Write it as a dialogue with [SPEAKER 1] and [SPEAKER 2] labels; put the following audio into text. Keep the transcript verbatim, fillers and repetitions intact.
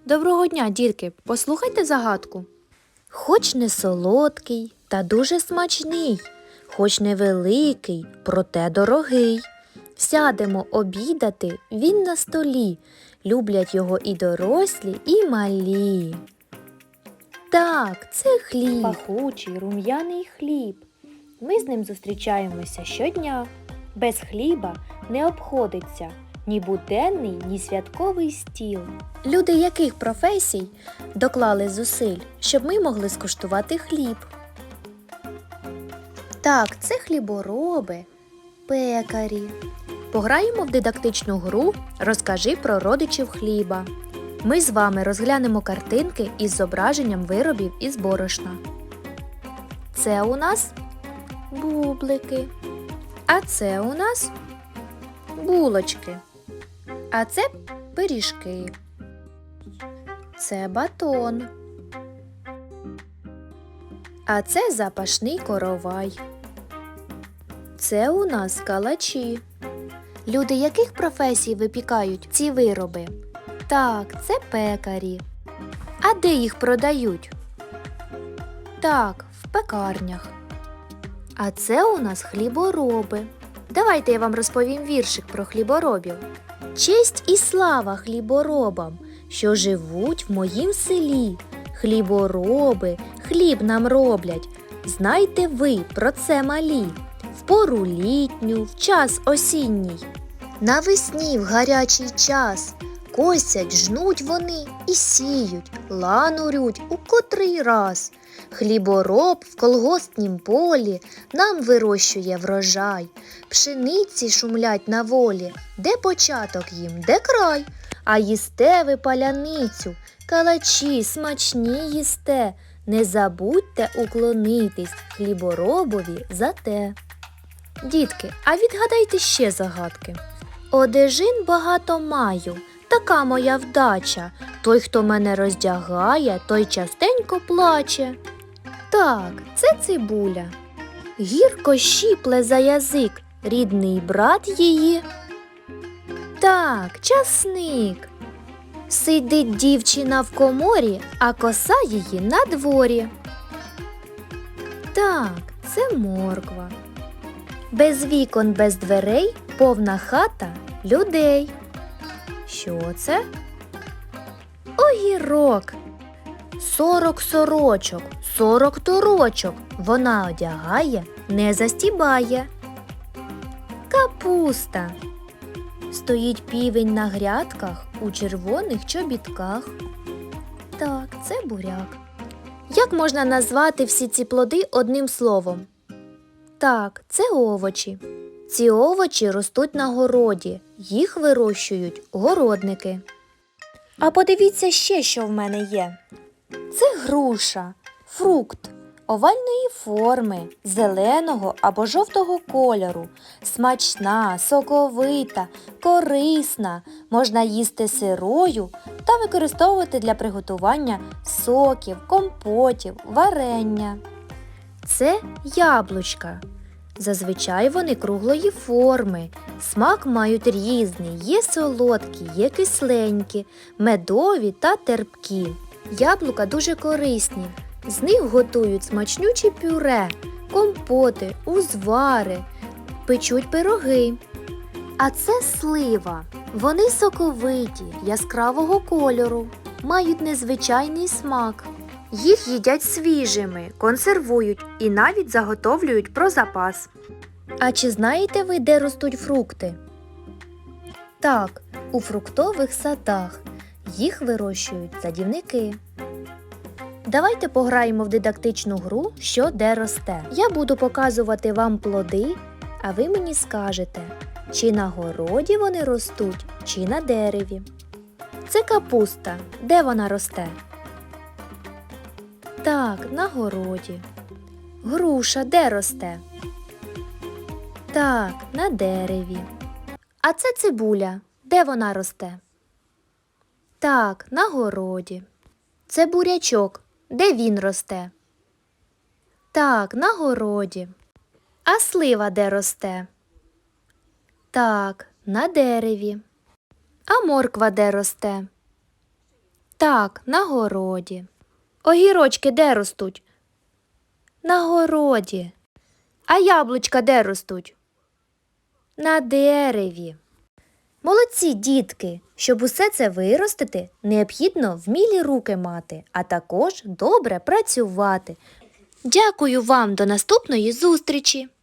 [SPEAKER 1] Доброго дня, дітки! Послухайте загадку. Хоч не солодкий, та дуже смачний, хоч невеликий, проте дорогий. Сядемо обідати, він на столі, люблять його і дорослі, і малі. Так, це хліб. Пахучий, рум'яний хліб. Ми з ним зустрічаємося щодня. Без хліба не обходиться ні буденний, ні святковий стіл. Люди яких професій доклали зусиль, щоб ми могли скуштувати хліб? Так, це хлібороби, пекарі. Пограємо в дидактичну гру «Розкажи про родичів хліба». Ми з вами розглянемо картинки із зображенням виробів із борошна. Це у нас бублики, а це у нас булочки, а це пиріжки, це батон, а це запашний коровай. Це у нас калачі. Люди яких професій випікають ці вироби? Так, це пекарі. А де їх продають? Так, в пекарнях. А це у нас хлібороби. Давайте я вам розповім віршик про хліборобів. Честь і слава хліборобам, що живуть в моїм селі. Хлібороби, хліб нам роблять. Знайте ви про це малі. В пору літню, в час осінній. Навесні в гарячий час. Косять, жнуть вони і сіють, ланурють у котрий раз. Хлібороб в колгоспнім полі нам вирощує врожай. Пшениці шумлять на волі, де початок їм, де край. А їсте ви паляницю, калачі смачні їсте. Не забудьте уклонитись хліборобові за те. Дітки, а відгадайте ще загадки. Одежин багато маю, така моя вдача. Той, хто мене роздягає, той частенько плаче. Так, це цибуля. Гірко щіпле за язик рідний брат її. Так, часник. Сидить дівчина в коморі, а коса її на дворі. Так, це морква. Без вікон, без дверей, повна хата людей. Що це? Огірок. Сорок сорочок, сорок торочок вона одягає, не застібає. Капуста. Стоїть півень на грядках у червоних чобітках. Так, це буряк. Як можна назвати всі ці плоди одним словом? Так, це овочі. Ці овочі ростуть на городі, їх вирощують городники. А подивіться ще, що в мене є. Це груша, фрукт овальної форми, зеленого або жовтого кольору, смачна, соковита, корисна, можна їсти сирою та використовувати для приготування соків, компотів, варення. Це яблучка. Зазвичай вони круглої форми, смак мають різний, є солодкі, є кисленькі, медові та терпкі. Яблука дуже корисні, з них готують смачнючі пюре, компоти, узвари, печуть пироги. А це слива. Вони соковиті, яскравого кольору, мають незвичайний смак. Їх їдять свіжими, консервують і навіть заготовлюють про запас. А чи знаєте ви, де ростуть фрукти? Так, у фруктових садах. Їх вирощують садівники. Давайте пограємо в дидактичну гру «Що де росте». Я буду показувати вам плоди, а ви мені скажете, чи на городі вони ростуть, чи на дереві. Це капуста. Де вона росте? Так, на городі. Груша де росте? Так, на дереві. А це цибуля. Де вона росте? Так, на городі. Це бурячок. Де він росте? Так, на городі. А слива де росте? Так, на дереві. А морква де росте? Так, на городі. Огірочки де ростуть? На городі. А яблучка де ростуть? На дереві. Молодці, дітки! Щоб усе це виростити, необхідно вмілі руки мати, а також добре працювати. Дякую вам, до наступної зустрічі!